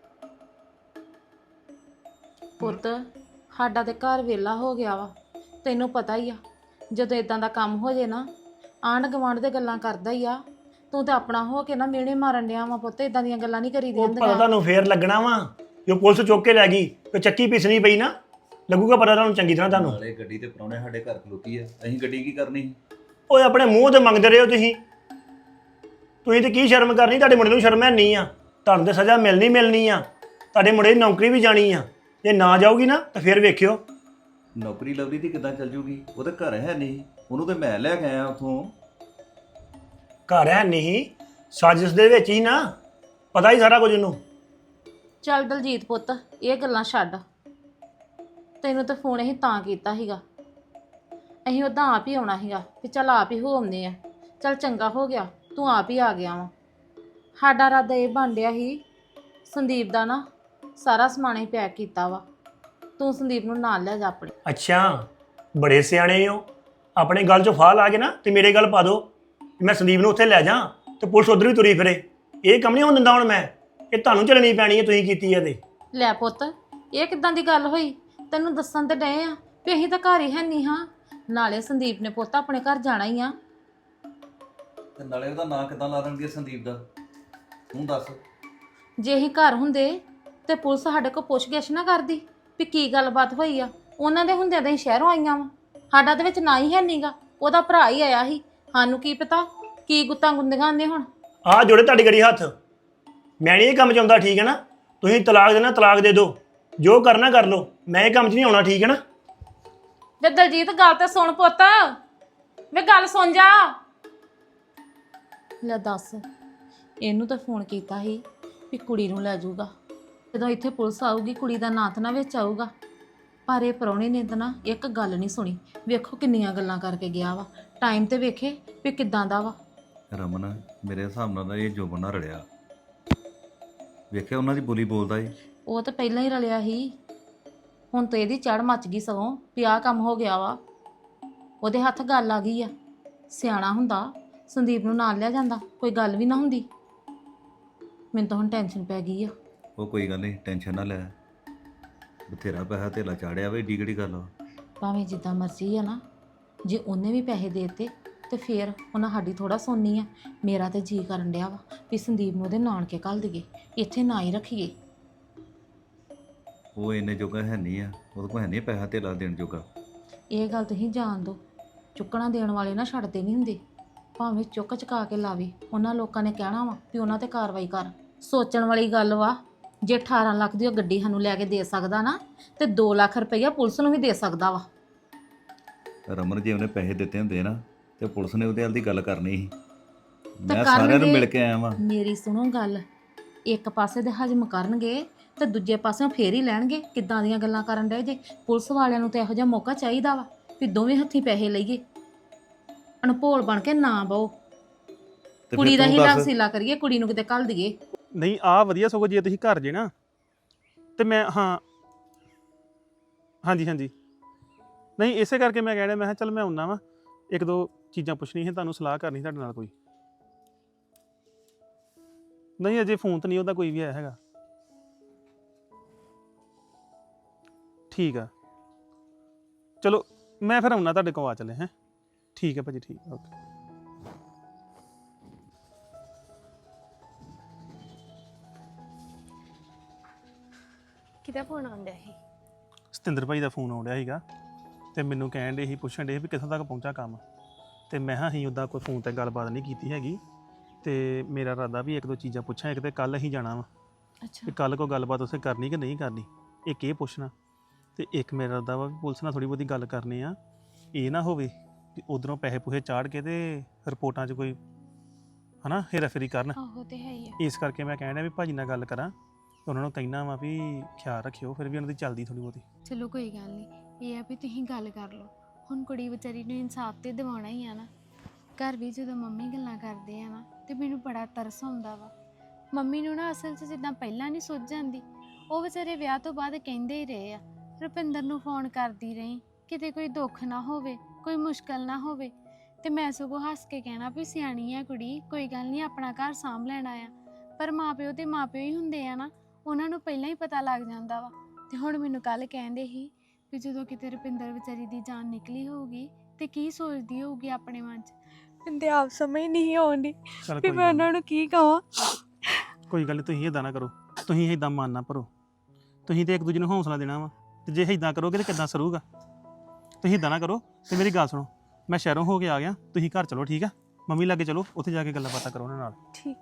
Speaker 2: ਪੁੱਤ ਸਾਡਾ ਤੇ ਘਰ ਵਿਹਲਾ ਹੋ ਗਿਆ ਵਾ, ਤੈਨੂੰ ਪਤਾ ਹੀ ਆ। ਜਦੋਂ ਇਦਾਂ ਦਾ ਕੰਮ ਹੋ ਜੇ ਨਾ ਆਂਢ ਗੁਆਂਢ ਦੇ ਗੱਲਾਂ ਕਰਦਾ ਹੀ ਆ। ਤੂੰ ਤਾਂ ਆਪਣਾ ਹੋ ਕੇ ਨਾ ਮਿਹਣੇ ਮਾਰਨ ਡਿਆ ਵਾ ਪੁੱਤ, ਇਦਾਂ ਦੀਆਂ ਗੱਲਾਂ ਨਹੀਂ ਕਰੀਦੀਆਂ
Speaker 1: ਉਹ ਪਤਾ
Speaker 2: ਹੁੰਦੀਆਂ।
Speaker 1: ਤੁਹਾਨੂੰ ਫੇਰ ਲੱਗਣਾ ਵਾ, ਜੋ ਪੁਲਿਸ ਚੁੱਕ ਕੇ ਲੈ ਗਈ ਤੇ ਚੱਕੀ ਪੀਸਣੀ ਪਈ ਨਾ, ਲੱਗੂਗਾ ਪਤਾ ਤੁਹਾਨੂੰ ਚੰਗੀ ਤਰ੍ਹਾਂ ਤੁਹਾਨੂੰ।
Speaker 5: ਨਾਲੇ ਗੱਡੀ ਤੇ ਪ੍ਰਾਹੁਣੇ ਸਾਡੇ ਘਰ ਖਲੋਤੀ ਆ, ਅਸੀਂ ਗੱਡੀ ਕੀ ਕਰਨੀ ਸੀ?
Speaker 1: ਓਏ ਆਪਣੇ ਮੂੰਹ ਤੇ ਮੰਗਦੇ ਰਹੇ ਹੋ ਤੁਸੀਂ। ਤੁਸੀਂ ਤੇ ਕੀ ਸ਼ਰਮ ਕਰਨੀ, ਤੁਹਾਡੇ ਮੁੰਡੇ ਨੂੰ ਸ਼ਰਮ ਹੈ ਨਹੀਂ ਆ। ਤੁਹਾਨੂੰ ਤੇ ਸਜ਼ਾ ਮਿਲਣੀ ਆ, ਤੁਹਾਡੇ ਮੁੰਡੇ ਦੀ ਨੌਕਰੀ ਵੀ ਜਾਣੀ ਆ। ਜੇ ਨਾ ਜਾਊਗੀ ਨਾ ਤਾਂ ਫੇਰ ਵੇਖਿਓ।
Speaker 5: ਨੌਕਰੀ ਲਵਲੀ ਦੀ ਕਿੱਦਾਂ ਚੱਲ ਜੂਗੀ? ਉਹ ਤਾਂ ਘਰ ਹੈ ਨਹੀਂ, ਉਹਨੂੰ ਤੇ ਮੈਂ ਲੈ ਕੇ ਆਇਆ ਉੱਥੋਂ।
Speaker 1: ਘਰ ਹੈ ਨਹੀਂ, ਸਾਜ਼ਿਸ਼ ਦੇ ਵਿੱਚ ਹੀ ਨਾ, ਪਤਾ ਹੀ ਸਾਰਾ ਕੁਝ ਉਹਨੂੰ।
Speaker 2: ਚੱਲ ਦਲਜੀਤ ਪੁੱਤ ਇਹ ਗੱਲਾਂ ਛੱਡ, ਤੈਨੂੰ ਤਾਂ ਫੋਨ ਅਸੀਂ ਤਾਂ ਕੀਤਾ ਸੀਗਾ, ਅਸੀਂ ਉਦਾਂ ਆਪ ਹੀ ਆਉਣਾ ਸੀਗਾ ਵੀ ਚੱਲ ਆਪ ਹੀ ਹੋ ਆਉਂਦੇ ਆ। ਚੱਲ ਚੰਗਾ ਹੋ ਗਿਆ ਤੂੰ ਆਪ ਹੀ ਆ ਗਿਆ ਵਾ। ਸਾਡਾ ਇਰਾਦਾ ਇਹ ਬਣ ਡਿਆ ਸੀ ਸੰਦੀਪ ਦਾ ਨਾ ਸਾਰਾ ਸਮਾਨ ਹੀ ਪੈਕ ਕੀਤਾ ਵਾ, ਤੂੰ ਸੰਦੀਪ ਨੂੰ ਨਾਲ ਲੈ ਜਾ ਆਪਣੇ।
Speaker 1: ਅੱਛਾ ਬੜੇ ਸਿਆਣੇ ਹੋ, ਆਪਣੇ ਗੱਲ 'ਚੋਂ ਫਾਹ ਲਾ ਕੇ ਨਾ ਤੇ ਮੇਰੇ ਗੱਲ ਪਾ ਦਿਓ ਕਿ ਮੈਂ ਸੰਦੀਪ ਨੂੰ ਉੱਥੇ ਲੈ ਜਾ ਤੇ ਪੁਲਿਸ ਉਧਰ ਵੀ ਤੁਰੀ ਫਿਰੇ। ਇਹ ਕੰਮ ਨਹੀਂ ਹੋਣ ਦਿੰਦਾ ਹੁਣ ਮੈਂ, ਇਹ ਤੁਹਾਨੂੰ ਚੱਲਣੀ ਪੈਣੀ ਹੈ, ਤੁਸੀਂ ਕੀਤੀ ਹੈ ਤੇ।
Speaker 2: ਲੈ ਪੁੱਤ ਇਹ ਕਿੱਦਾਂ ਦੀ ਗੱਲ ਹੋਈ? ਤੈਨੂੰ ਦੱਸਣ ਤੇ ਡਏ ਆ ਵੀ ਅਸੀਂ ਤਾਂ ਘਰ ਹੀ ਹੈ ਨਹੀਂ ਹਾਂ। ਨਾਲੇ ਸੰਦੀਪ ਨੇ ਪੁੱਤ ਆਪਣੇ ਘਰ ਜਾਣਾ ਹੀ ਆ।
Speaker 5: ਤੇ ਨਾਲੇ ਉਹਦਾ ਨਾਂ ਕਿੱਦਾਂ ਲਾ ਦੇਣਗੇ ਸੰਦੀਪ ਦਾ, ਤੂੰ ਦੱਸ।
Speaker 2: ਜੇ ਅਸੀਂ ਘਰ ਹੁੰਦੇ ਤੇ ਪੁਲਿਸ ਸਾਡੇ ਕੋਲ ਪੁੱਛ-ਗਿੱਛ ਨਾ ਕਰਦੀ ਵੀ ਕੀ ਗੱਲਬਾਤ ਹੋਈ ਆ। ਉਹਨਾਂ ਦੇ ਹੁੰਦਿਆਂ ਤਾਂ ਅਸੀਂ ਸ਼ਹਿਰੋਂ ਆਈਆਂ ਵਾ, ਸਾਡਾ ਦੇ ਵਿੱਚ ਨਾ ਹੀ ਹੈ ਨਹੀਂਗਾ, ਉਹਦਾ ਭਰਾ ਹੀ ਆਇਆ ਸੀ। ਸਾਨੂੰ ਕੀ ਪਤਾ ਕੀ ਗੁੱਤਾਂ ਗੁੰਦੀਆਂ ਆਂਦੇ ਹੁਣ।
Speaker 1: ਆਹ ਜੋੜੇ ਤੁਹਾਡੀ ਗੜੀ ਹੱਥ, ਮੈਂ ਨਹੀਂ ਇਹ ਕੰਮ 'ਚ ਆਉਂਦਾ, ਠੀਕ ਹੈ ਨਾ? ਤੁਸੀਂ ਤਲਾਕ ਦੇਣਾ ਤਲਾਕ ਦੇ ਦਿਓ, ਜੋ ਕਰਨਾ ਕਰ ਲਓ, ਮੈਂ ਇਹ ਕੰਮ 'ਚ ਨਹੀਂ ਆਉਣਾ, ਠੀਕ ਹੈ ਨਾ?
Speaker 2: ਜੇ ਦਲਜੀਤ ਗੱਲ ਤੇ ਸੁਣ ਪੁੱਤ, ਵੇ ਗੱਲ ਸੁਣ ਜਾ। ਲੈ ਦੱਸ, ਇਹਨੂੰ ਤਾਂ ਫੋਨ ਕੀਤਾ ਸੀ ਵੀ ਕੁੜੀ ਨੂੰ ਲੈ ਜਾਊਗਾ, ਜਦੋਂ ਇੱਥੇ ਪੁਲਿਸ ਆਊਗੀ ਕੁੜੀ ਦਾ ਨਾਂ ਤਾਂ ਨਾ ਵਿੱਚ ਆਊਗਾ। ਪਰ ਇਹ ਪ੍ਰਾਹੁਣੇ ਨੇ ਤਾਂ ਨਾ ਇੱਕ ਗੱਲ ਨਹੀਂ ਸੁਣੀ। ਵੇਖੋ ਕਿੰਨੀਆਂ ਗੱਲਾਂ ਕਰਕੇ ਗਿਆ ਵਾ, ਟਾਈਮ ਤੇ ਵੇਖੇ ਵੀ ਕਿੱਦਾਂ ਦਾ ਵਾ।
Speaker 5: ਰਮਨ ਮੇਰੇ ਹਿਸਾਬ ਨਾਲ ਤਾਂ ਇਹ ਜੋਬਨ ਨਾਲ ਰਲਿਆ, ਵੇਖਿਆ ਉਹਨਾਂ ਦੀ ਬੋਲੀ ਬੋਲਦਾ ਏ।
Speaker 2: ਉਹ ਤਾਂ ਪਹਿਲਾਂ ਹੀ ਰਲਿਆ ਸੀ, ਹੁਣ ਤਾਂ ਇਹਦੀ ਚੜ ਮੱਚ ਗਈ ਸਗੋਂ ਵੀ ਆਹ ਕੰਮ ਹੋ ਗਿਆ ਵਾ। ਉਹਦੇ ਹੱਥ ਗੱਲ ਆ ਗਈ ਆ। ਸਿਆਣਾ ਹੁੰਦਾ ਸੰਦੀਪ ਨੂੰ ਨਾਲ ਲਿਆ ਜਾਂਦਾ, ਕੋਈ ਗੱਲ ਵੀ ਨਾ ਹੁੰਦੀ। ਮੈਨੂੰ ਤਾਂ ਹੁਣ ਟੈਨਸ਼ਨ ਪੈ ਗਈ ਆ।
Speaker 5: ਉਹ ਕੋਈ ਗੱਲ ਨਹੀਂ, ਟੈਨਸ਼ਨ ਨਾ ਲੈ, ਬਥੇਰਾ ਪੈਸਾ ਧੇਲਾ ਚਾੜਿਆ ਵੇ, ਏਡੀ ਕਿਹੜੀ ਗੱਲ ਆ।
Speaker 2: ਭਾਵੇਂ ਜਿੱਦਾਂ ਮਰਜ਼ੀ ਆ ਨਾ, ਜੇ ਉਹਨੇ ਵੀ ਪੈਸੇ ਦੇ ਦਿੱਤੇ ਤੇ ਫੇਰ ਉਹਨਾਂ ਸਾਡੀ ਥੋੜਾ ਸੁਣਨੀ ਆ। ਮੇਰਾ ਤੇ ਜੀ ਕਰਨ ਡਿਆ ਵਾ ਵੀ ਸੰਦੀਪ ਨੂੰ ਉਹਦੇ ਨਾਨਕੇ ਘੱਲ ਦੇਈਏ, ਇੱਥੇ ਨਾ ਹੀ ਰੱਖੀਏ।
Speaker 5: ਉਹ ਇੰਨੇ ਜੋਗਾ ਹੈ ਨਹੀਂ ਆ, ਉਹਦੇ ਕੋਲ ਹੈ ਨਹੀਂ ਪੈਸਾ ਧੇਲਾ ਦੇਣ ਜੋਗਾ।
Speaker 2: ਇਹ ਗੱਲ ਤੁਸੀਂ ਜਾਣ ਦਿਓ, ਚੁੱਕਣਾ ਦੇਣ ਵਾਲੇ ਨਾ ਛੱਡਦੇ ਨਹੀਂ ਹੁੰਦੇ, ਭਾਵੇਂ ਚੁੱਕ ਚੁਕਾ ਕੇ ਲਾਵੇ। ਉਹਨਾਂ ਲੋਕਾਂ ਨੇ ਕਹਿਣਾ ਵਾ ਵੀ ਉਹਨਾਂ ਤੇ ਕਾਰਵਾਈ ਕਰ। ਸੋਚਣ ਵਾਲੀ ਗੱਲ ਵਾ, ਜੇ 18 ਲੱਖ ਦੀ ਉਹ ਗੱਡੀ ਸਾਨੂੰ ਲੈ ਕੇ ਦੇ ਸਕਦਾ ਨਾ, ਤੇ 2 ਲੱਖ ਰੁਪਈਆ ਪੁਲਿਸ ਨੂੰ ਵੀ ਦੇ ਸਕਦਾ ਵਾ।
Speaker 5: ਰਮਨ ਜੇ ਉਹਨੇ ਪੈਸੇ ਦਿੱਤੇ ਹੁੰਦੇ ਨਾ ਤੇ ਪੁਲਿਸ ਨੇ ਉਹਦੇ ਨਾਲ ਦੀ ਗੱਲ ਕਰਨੀ ਸੀ। ਮੈਂ
Speaker 2: ਕਰਨਗੇ।
Speaker 5: ਸਾਰਿਆਂ ਨੂੰ ਮਿਲ ਕੇ ਆਇਆ ਵਾਂ।
Speaker 2: ਮੇਰੀ ਸੁਣੋ ਗੱਲ, ਇੱਕ ਪਾਸੇ ਦੇ ਹਜਮ ਕਰਨਗੇ ਤੇ ਦੂਜੇ ਪਾਸਿਓਂ ਫੇਰ ਹੀ ਲੈਣਗੇ। ਕਿੱਦਾਂ ਦੀਆਂ ਗੱਲਾਂ ਕਰਨ ਡਏ ਜੇ? ਪੁਲਿਸ ਵਾਲਿਆਂ ਨੂੰ ਤਾਂ ਇਹੋ ਜਿਹਾ ਮੌਕਾ ਚਾਹੀਦਾ ਵਾ ਵੀ ਦੋਵੇਂ ਹੱਥੀਂ ਪੈਸੇ ਲਈਏ, ਅਣਭੋਲ ਬਣ ਕੇ ਨਾ ਬਹੁ।
Speaker 5: ਤੇ
Speaker 2: ਕੁੜੀ
Speaker 5: ਫਿਰ
Speaker 2: ਦਾ
Speaker 5: ਤੂੰ
Speaker 2: ਹੀ
Speaker 5: ਦੱਸ।
Speaker 2: ਲਵਸੀਲਾ ਕਰੀਏ, ਕੁੜੀ ਨੂੰ ਕਿਤੇ ਘੱਲ ਦਈਏ।
Speaker 7: ਨਹੀਂ ਆ ਵਧੀਆ, ਸਗੋਂ ਜੇ ਤੁਸੀਂ ਘਰ ਜੇ ਨਾ ਤੇ ਮੈਂ ਹਾਂ ਹਾਂਜੀ ਹਾਂਜੀ ਨਹੀਂ ਇਸੇ ਕਰਕੇ ਮੈਂ ਕਹਿ ਰਿਹਾ, ਮੈਂ ਕਿਹਾ ਚੱਲ ਮੈਂ ਆਉਣਾ ਵਾ, ਇੱਕ ਦੋ ਚੀਜ਼ਾਂ ਪੁੱਛਣੀਆਂ ਸੀ ਤੁਹਾਨੂੰ, ਸਲਾਹ ਕਰਨੀ ਤੁਹਾਡੇ ਨਾਲ ਕੋਈ। ਨਹੀਂ ਅਜੇ ਫੋਨ ਤਾਂ ਨਹੀਂ ਉਹਦਾ ਕੋਈ ਵੀ ਆਇਆ ਹੈਗਾ। ਠੀਕ ਆ ਚਲੋ ਮੈਂ ਫਿਰ ਆਉਣਾ ਤੁਹਾਡੇ ਕੋਲ ਆ ਚੱਲੇ ਹੈਂ ਠੀਕ ਹੈ ਭਾਜੀ ਠੀਕ ਓਕੇ
Speaker 3: ਕਿਹਦਾ ਫੋਨ ਆਉਂਦਾ ਸੀ?
Speaker 7: ਸਤਿੰਦਰ ਭਾਈ ਦਾ ਫੋਨ ਆਉਣ ਡਿਆ ਸੀਗਾ ਤੇ ਮੈਨੂੰ ਕਹਿਣ ਡੇ ਸੀ ਪੁੱਛਣ ਡੇ ਵੀ ਕਿੱਥੋਂ ਤੱਕ ਪਹੁੰਚਾ ਕੰਮ ਤੇ ਮੈਂ ਹਾਂ ਅਸੀਂ ਉੱਦਾਂ ਕੋਈ ਫੋਨ ਤੇ ਗੱਲਬਾਤ ਨਹੀਂ ਕੀਤੀ ਹੈਗੀ ਤੇ ਮੇਰਾ ਇਰਾਦਾ ਵੀ ਇੱਕ ਦੋ ਚੀਜ਼ਾਂ ਪੁੱਛਾਂ ਇੱਕ ਤੇ ਕੱਲ ਅਸੀਂ ਜਾਣਾ ਵਾ
Speaker 3: ਅੱਛਾ
Speaker 7: ਵੀ ਕੱਲ ਕੋਈ ਗੱਲਬਾਤ ਉੱਥੇ ਕਰਨੀ ਕਿ ਨਹੀਂ ਕਰਨੀ ਇੱਕ ਇਹ ਪੁੱਛਣਾ ਤੇ ਇੱਕ ਮੇਰਾ ਇਰਾਦਾ ਵਾ ਵੀ ਪੁਲਿਸ ਨਾਲ ਥੋੜੀ ਬਹੁਤੀ ਗੱਲ ਕਰਨੀ ਆ ਇਹ ਨਾ ਹੋਵੇ ਕਿ ਉਧਰੋਂ ਪੈਸੇ ਪੂਸੇ ਚਾੜ ਕੇ ਤੇ ਰਿਪੋਰਟਾਂ 'ਚ ਕੋਈ ਹਨਾ ਹੇਰਾਫੇਰੀ ਕਰਨ
Speaker 3: ਆਹੋ ਤੇ ਹੈ ਹੀ ਆ।
Speaker 7: ਇਸ ਕਰਕੇ ਮੈਂ ਕਹਿਣਾ ਵੀ ਭਾਜੀ ਨਾਲ ਗੱਲ ਕਰਾਂ ਤੇ ਉਹਨਾਂ ਨੂੰ ਕਹਿਣਾ ਵਾ ਵੀ ਖਿਆਲ ਰੱਖਿਓ ਫਿਰ ਵੀ ਉਹਨਾਂ ਦੀ ਚੱਲਦੀ ਥੋੜੀ ਬਹੁਤੀ
Speaker 3: ਚਲੋ ਕੋਈ ਗੱਲ ਨਹੀਂ, ਇਹ ਆ ਵੀ ਤੁਸੀਂ ਗੱਲ ਕਰ ਲਓ। ਹੁਣ ਕੁੜੀ ਵਿਚਾਰੀ ਨੂੰ ਇਨਸਾਫ ਤੇ ਦਿਵਾਉਣਾ ਹੀ ਆ ਨਾ। ਘਰ ਵੀ ਜਦੋਂ ਮੰਮੀ ਗੱਲਾਂ ਕਰਦੇ ਆ ਨਾ ਤੇ ਮੈਨੂੰ ਬੜਾ ਤਰਸ ਆਉਂਦਾ ਵਾ। ਮੰਮੀ ਨੂੰ ਨਾ ਅਸਲ 'ਚ ਜਿੱਦਾਂ ਪਹਿਲਾਂ ਨਹੀਂ ਸੁੱਝ ਜਾਂਦੀ, ਉਹ ਵਿਚਾਰੇ ਵਿਆਹ ਤੋਂ ਬਾਅਦ ਕਹਿੰਦੇ ਹੀ ਰਹੇ ਆ ਰੁਪਿੰਦਰ ਨੂੰ ਫੋਨ ਕਰਦੀ ਰਹੀ ਕਿਤੇ ਕੋਈ ਦੁੱਖ ਨਾ ਹੋਵੇ, ਕੋਈ ਮੁਸ਼ਕਲ ਨਾ ਹੋਵੇ। ਤੇ ਮੈਂ ਸਗੋਂ ਹੱਸ ਕੇ ਕਹਿਣਾ ਵੀ ਸਿਆਣੀ ਆ ਕੁੜੀ, ਕੋਈ ਗੱਲ ਨਹੀਂ ਆਪਣਾ ਘਰ ਸਾਂਭ ਲੈਣਾ ਆ। ਪਰ ਮਾਪਿਓ ਤੇ ਮਾਪਿਓ ਹੀ ਹੁੰਦੇ ਆ ਨਾ, ਉਹਨਾਂ ਨੂੰ ਪਹਿਲਾਂ ਹੀ ਪਤਾ ਲੱਗ ਜਾਂਦਾ ਵਾ। ਤੇ ਹੁਣ ਮੈਨੂੰ ਕੱਲ ਕਹਿੰਦੇ ਸੀ ਵੀ ਜਦੋਂ ਕਿਤੇ ਰੁਪਿੰਦਰ ਵਿਚਾਰੀ ਦੀ ਜਾਨ ਨਿਕਲੀ ਹੋਊਗੀ ਤੇ ਕੀ ਸੋਚਦੀ ਹੋਊਗੀ ਆਪਣੇ ਮਨ 'ਚ। ਮੈਨੂੰ ਆਪ ਸਮਝ ਨਹੀਂ ਆਉਂਦੀ
Speaker 7: ਚੱਲ
Speaker 3: ਵੀ
Speaker 7: ਕੋਈ
Speaker 3: ਮੈਂ
Speaker 7: ਗੱਲ
Speaker 3: ਉਹਨਾਂ ਨੂੰ ਕੀ ਕਹਾਂ।
Speaker 7: ਕੋਈ ਗੱਲ ਨਹੀਂ ਤੁਸੀਂ ਇਦਾਂ ਨਾ ਕਰੋ ਤੁਸੀਂ ਇਦਾਂ ਮਨ ਨਾ ਭਰੋ ਤੁਸੀਂ ਤੇ ਇੱਕ ਦੂਜੇ ਨੂੰ ਹੌਸਲਾ ਦੇਣਾ ਵਾ ਤੇ ਜੇ ਇਦਾਂ ਕਰੋਗੇ ਤੇ ਕਿੱਦਾਂ ਸਰੂਗਾ ਤੁਸੀਂ ਇਦਾਂ ਨਾ ਕਰੋ ਤੇ ਮੇਰੀ ਗੱਲ ਸੁਣੋ ਮੈਂ ਸ਼ਹਿਰੋਂ ਹੋ ਕੇ ਆ ਗਿਆ ਤੁਸੀਂ ਘਰ ਚਲੋ ਠੀਕ ਆ ਮੰਮੀ ਲਾਗੇ ਚਲੋ ਉੱਥੇ ਜਾ ਕੇ ਗੱਲਾਂ ਬਾਤਾਂ ਕਰੋ ਉਹਨਾਂ ਨਾਲ
Speaker 3: ਠੀਕ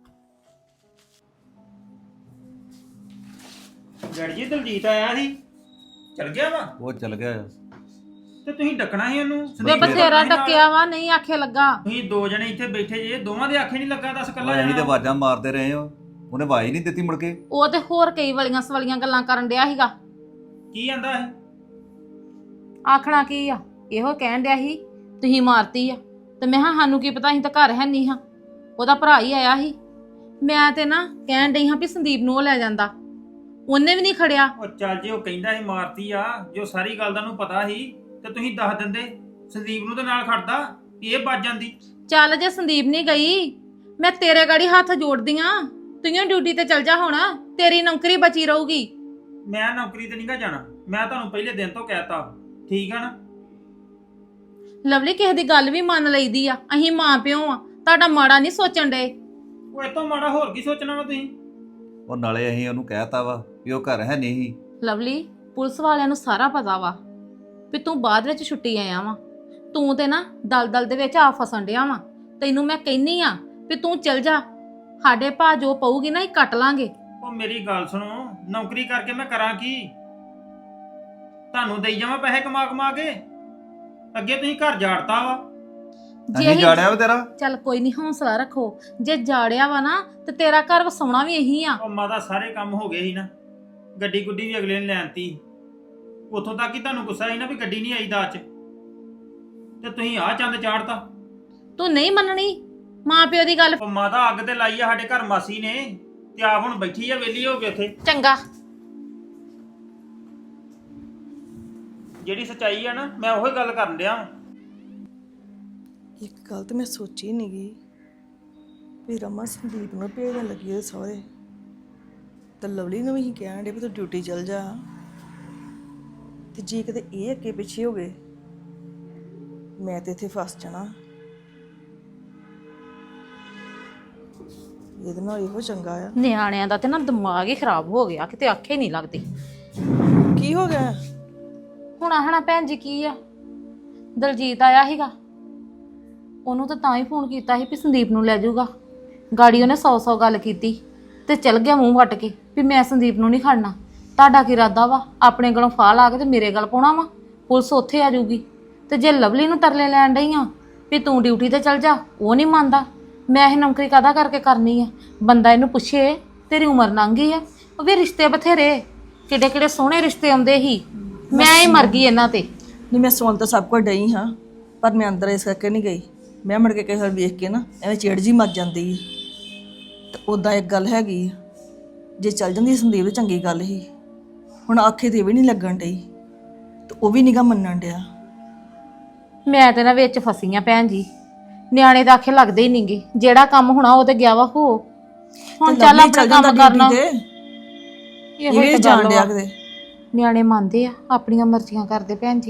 Speaker 8: ਡੈਡੀ ਜੀ ਦਲਜੀਤ ਆਇਆ ਸੀ ਚਲ ਗਿਆ ਵਾ
Speaker 5: ਉਹ ਚੱਲ ਗਿਆ
Speaker 8: ਤੇ ਤੁਸੀਂ ਡੱਕਣਾ ਸੀ ਉਹਨੂੰ
Speaker 2: ਵੇ
Speaker 8: ਸੰਦੀਪ ਨੇ
Speaker 2: ਬਥੇਰਾ
Speaker 8: ਡੱਕਣਾ ਸੀ
Speaker 2: ਟੱਕਿਆ ਵਾ ਨਹੀਂ ਆਖੇ ਲੱਗਾ।
Speaker 8: ਤੁਸੀਂ ਦੋ ਜਣੇ ਇੱਥੇ ਬੈਠੇ ਜੇ ਦੋਵਾਂ ਦੇ ਆਖੇ ਨਹੀਂ ਲੱਗਾ ਦੱਸ ਕੱਲਾ
Speaker 5: ਅਸੀਂ ਤੇ
Speaker 8: ਜਾਣਾ
Speaker 5: ਆਵਾਜ਼ਾਂ ਮਾਰਦੇ ਰਹੇ ਹੋ ਉਹਨੇ ਆਵਾਜ਼ ਹੀ ਨਹੀਂ ਦਿੱਤੀ ਮੁੜ ਕੇ
Speaker 2: ਉਹ ਤੇ ਹੋਰ ਕਈ ਵਲੀਆਂ ਸਵਲੀਆਂ ਗੱਲਾਂ ਕਰਨ ਡਿਆ ਸੀਗਾ।
Speaker 8: ਕੀ ਆਂਦਾ ਹੈ
Speaker 2: ਆਖਣਾ ਕੀ ਆ, ਇਹੋ ਕਹਿਣ ਡਿਆ ਸੀ ਤੁਸੀਂ ਮਾਰਤੀ ਆ। ਤੇ ਮੈਂ ਕਿਹਾ ਸਾਨੂੰ ਕੀ ਪਤਾ, ਅਸੀਂ ਤਾਂ ਘਰ ਹੈ ਨਹੀਂ ਹਾਂ, ਉਹਦਾ ਭਰਾ ਹੀ ਆਇਆ ਸੀ। ਮੈਂ ਤੇ ਨਾ ਕਹਿਣ ਡਈ ਹਾਂ ਵੀ ਸੰਦੀਪ ਨੂੰ ਉਹ ਲੈ ਜਾਂਦਾ, ਉਹਨੇ ਵੀ ਨਹੀਂ ਖੜਿਆ।
Speaker 8: ਉਹ ਚੱਲ ਜੇ ਉਹ ਕਹਿੰਦਾ ਸੀ ਮਾਰਤੀ ਆ, ਜੋ ਸਾਰੀ ਗੱਲ ਦਾ ਨੂੰ ਪਤਾ ਸੀ ਤੇ ਤੁਸੀਂ ਦੱਸ ਦਿੰਦੇ ਸੰਦੀਪ ਨੂੰ ਤੇ ਨਾਲ ਖੜਦਾ ਵੀ ਇਹ ਵੱਜ ਜਾਂਦੀ।
Speaker 2: ਚੱਲ ਜੇ ਸੰਦੀਪ ਨਹੀਂ ਗਈ ਮੈਂ ਤੇਰੇ ਗਾੜੀ ਹੱਥ ਜੋੜਦੀ ਆਂ, ਤੂੰ ਡਿਊਟੀ ਤੇ ਚਲ ਜਾ ਹੁਣ, ਤੇਰੀ ਨੌਕਰੀ ਬਚੀ ਰਹੂਗੀ।
Speaker 8: ਮੈਂ ਨੌਕਰੀ ਤੇ ਨਹੀਂਗਾ ਜਾਣਾ, ਮੈਂ ਤੁਹਾਨੂੰ ਪਹਿਲੇ ਦਿਨ ਤੋਂ ਕਹਿਤਾ ਠੀਕ ਆ ਨਾ।
Speaker 2: ਲਵਲੀ ਕਿਸੇ ਦੀ ਗੱਲ ਵੀ ਮੰਨ ਲਈਦੀ ਆ, ਅਸੀਂ ਮਾਂ ਪਿਓ ਆ, ਤੁਹਾਡਾ ਮਾੜਾ ਨਹੀਂ ਸੋਚਣ ਡਏ।
Speaker 8: ਉਹ ਇਹ ਤੋਂ ਮਾੜਾ ਹੋਰ ਕੀ ਸੋਚਣਾ ਵਾ ਤੁਸੀਂ।
Speaker 5: ਉਹ ਨਾਲੇ ਅਸੀਂ ਉਹਨੂੰ ਕਹਿਤਾ ਵਾ ਵੀ ਉਹ ਘਰ ਹੈ ਨਹੀਂ।
Speaker 2: ਲਵਲੀ ਪੁਲਿਸ ਵਾਲਿਆਂ ਨੂੰ ਸਾਰਾ ਪਤਾ ਵਾ ਵੀ ਤੂੰ ਬਾਅਦ ਵਿੱਚ ਛੁੱਟੀ ਆਇਆ ਵਾ, ਤੂੰ ਤੇ ਨਾ ਦਲਦਲ ਦੇ ਵਿੱਚ ਆ ਫਸਣ ਡਿਆ ਵਾ। ਤੈਨੂੰ ਮੈਂ ਕਹਿੰਨੀ ਆ ਵੀ ਤੂੰ ਚਲ ਜਾ, ਸਾਡੇ ਭਾ ਜੋ ਪਊਗੀ ਨਾ ਇਹ ਕੱਟ ਲਾਂਗੇ।
Speaker 8: ਉਹ ਮੇਰੀ ਗੱਲ ਸੁਣੋ, ਨੌਕਰੀ ਕਰਕੇ ਮੈਂ ਕਰਾਂ ਕੀ? ਤੁਹਾਨੂੰ ਦੇਈ ਜਾਵਾਂ ਪੈਸੇ ਕਮਾ ਕਮਾ ਕੇ? ਅੱਗੇ ਤੁਸੀਂ ਘਰ ਜਾੜਤਾ ਵਾ।
Speaker 5: ਅਸੀਂ ਜਾੜਿਆ ਵਾ ਤੇਰਾ।
Speaker 2: ਚੱਲ ਕੋਈ ਨਹੀਂ, ਹੌਸਲਾ ਰੱਖੋ। ਜੇ ਜਾੜਿਆ ਵਾ ਨਾ ਤੇ ਤੇਰਾ ਘਰ ਵਸਾਉਣਾ ਵੀ ਇਹੀ ਆ।
Speaker 8: ਉਹ ਮਾਤਾ ਸਾਰੇ ਕੰਮ ਹੋ ਗਏ ਸੀ ਨਾ, ਗੱਡੀ ਗੁੱਡੀ ਵੀ ਅਗਲੇ ਨੇ ਲੈਣਤੀ। ਉੱਥੋਂ ਤੱਕ ਹੀ ਤੁਹਾਨੂੰ ਗੁੱਸਾ ਸੀ ਨਾ ਵੀ ਗੱਡੀ ਨਹੀਂ ਆਈ ਦਾਜ ਚ, ਤੇ ਤੁਸੀਂ ਆਹ ਚੰਦ ਚਾੜਤਾ।
Speaker 2: ਤੂੰ ਨਹੀਂ ਮੰਨਣੀ ਮਾਂ ਪਿਓ ਦੀ ਗੱਲ।
Speaker 8: ਉਹ ਮਾਤਾ ਅੱਗ ਤੇ ਲਾਈ ਆ ਸਾਡੇ ਘਰ ਮਾਸੀ ਨੇ, ਤੇ ਆਪ ਹੁਣ ਬੈਠੀ ਆ ਵਿਹਲੀ ਹੋ ਕੇ ਉੱਥੇ।
Speaker 2: ਚੰਗਾ
Speaker 8: ਜਿਹੜੀ ਸੱਚਾਈ ਆ ਨਾ ਮੈਂ ਉਹੀ ਗੱਲ ਕਰਨ ਡਿਆ ਵਾਂ।
Speaker 9: ਇੱਕ ਗੱਲ ਤਾਂ ਮੈਂ ਸੋਚੀ ਨਹੀਂ ਗਈ ਵੀ ਰਮਾ ਸੰਦੀਪ ਨੂੰ ਭੇਜਣ ਲੱਗੀ ਉਹਦੇ ਸਹੁਰੇ, ਤੇ ਲਵਲੀ ਨੂੰ ਵੀ ਹੀ ਕਹਿਣ ਡੇ ਵੀ ਤੂੰ ਡਿਊਟੀ ਚਲ ਜਾ। ਤੇ ਜੇ ਕਿਤੇ ਇਹ ਅੱਗੇ ਪਿੱਛੇ ਹੋ ਗਏ ਮੈਂ ਤੇ ਇੱਥੇ ਫਸ ਜਾਣਾ। ਇਹਦੇ ਨਾਲ ਇਹੋ ਚੰਗਾ ਆ।
Speaker 2: ਨਿਆਣਿਆਂ ਦਾ ਤੇ ਨਾ ਦਿਮਾਗ ਹੀ ਖਰਾਬ ਹੋ ਗਿਆ, ਕਿਤੇ ਆਖੇ ਨਹੀਂ ਲੱਗਦੀ।
Speaker 9: ਕੀ ਹੋ ਗਿਆ?
Speaker 2: ਹੁਣ ਆਹਣਾ ਭੈਣ ਜੀ ਕੀ ਆ, ਦਲਜੀਤ ਆਇਆ ਸੀਗਾ, ਉਹਨੂੰ ਤਾਂ ਹੀ ਫੋਨ ਕੀਤਾ ਸੀ ਵੀ ਸੰਦੀਪ ਨੂੰ ਲੈ ਜਾਊਗਾ। ਗਾੜੀ ਉਹਨੇ 100 ਗੱਲ ਕੀਤੀ ਤੇ ਚਲ ਗਿਆ ਮੂੰਹ ਵੱਟ ਕੇ ਵੀ ਮੈਂ ਸੰਦੀਪ ਨੂੰ ਨਹੀਂ ਖੜਨਾ। ਤੁਹਾਡਾ ਕੀ ਇਰਾਦਾ ਵਾ, ਆਪਣੇ ਗਲੋਂ ਫਾਹ ਲਾ ਕੇ ਤੇ ਮੇਰੇ ਗਲ ਪਾਉਣਾ ਵਾ? ਪੁਲਿਸ ਉੱਥੇ ਆ ਜਾਊਗੀ। ਤੇ ਜੇ ਲਵਲੀ ਨੂੰ ਤਰਲੇ ਲੈਣ ਡਈ ਆ ਵੀ ਤੂੰ ਡਿਊਟੀ ਤੇ ਚਲ ਜਾ, ਉਹ ਨਹੀਂ ਮੰਨਦਾ। ਮੈਂ ਇਹ ਨੌਕਰੀ ਕਾਹਦਾ ਕਰਕੇ ਕਰਨੀ ਆ? ਬੰਦਾ ਇਹਨੂੰ ਪੁੱਛੇ ਤੇਰੀ ਉਮਰ ਲੰਘ ਗਈ ਆ, ਉਹ ਵੀ ਰਿਸ਼ਤੇ ਬਥੇਰੇ, ਕਿੱਡੇ ਕਿੱਡੇ ਸੋਹਣੇ ਰਿਸ਼ਤੇ ਆਉਂਦੇ ਸੀ, ਮੈਂ ਹੀ ਮਰ ਗਈ ਇਹਨਾਂ ਤੇ।
Speaker 9: ਨਹੀਂ ਮੈਂ ਸੁਣ ਤਾਂ ਸਭ ਕੁਝ ਡਈ ਹਾਂ, ਪਰ ਮੈਂ ਅੰਦਰ ਇਸ ਕਰਕੇ ਨਹੀਂ ਗਈ। ਮੈਂ ਮੁੜ ਕੇ ਕਿਸੇ ਵਾਰ ਵੇਖ ਕੇ ਨਾ ਐਵੇਂ ਚਿੜ ਜੀ ਮੱਚ ਜਾਂਦੀ ਹੈ। ਤੇ ਉੱਦਾਂ ਇੱਕ ਗੱਲ ਹੈਗੀ ਆ, ਜੇ ਚੱਲ ਜਾਂਦੀ ਸੰਦੀਪ ਤਾਂ ਚੰਗੀ ਗੱਲ ਸੀ। ਹੁਣ ਆਖੇ ਤੇ ਵੀ ਨਹੀਂ ਲੱਗਣ ਡਈ ਤੇ ਉਹ ਵੀ ਨੀਗਾ ਮੰਨਣ ਡਿਆ।
Speaker 2: ਮੈਂ ਤੇ ਨਾ ਵਿੱਚ ਫਸੀ ਆ ਭੈਣ ਜੀ, ਨਿਆਣੇ ਤਾਂ ਆਖੇ ਲੱਗਦੇ ਹੀ ਨਹੀਂਗੇ। ਜਿਹੜਾ ਕੰਮ ਹੋਣਾ ਉਹ ਤੇ ਗਿਆ ਵਾ ਹੋ, ਹੁਣ
Speaker 9: ਤੇ
Speaker 2: ਚੱਲ
Speaker 9: ਲਵਲੀ
Speaker 2: ਆਪਣਾ
Speaker 9: ਚੱਲ ਜਾਂਦਾ
Speaker 2: ਕੰਮ ਕਰਨਾ।
Speaker 9: ਡਿਊਟੀ ਤੇ, ਇਹ ਵੀ ਜਾਣ ਡਿਆ ਕਿਤੇ।
Speaker 2: ਨਿਆਣੇ ਮੰਨਦੇ ਆ, ਆਪਣੀਆਂ ਮਰਜ਼ੀਆਂ ਕਰਦੇ ਭੈਣ ਜੀ।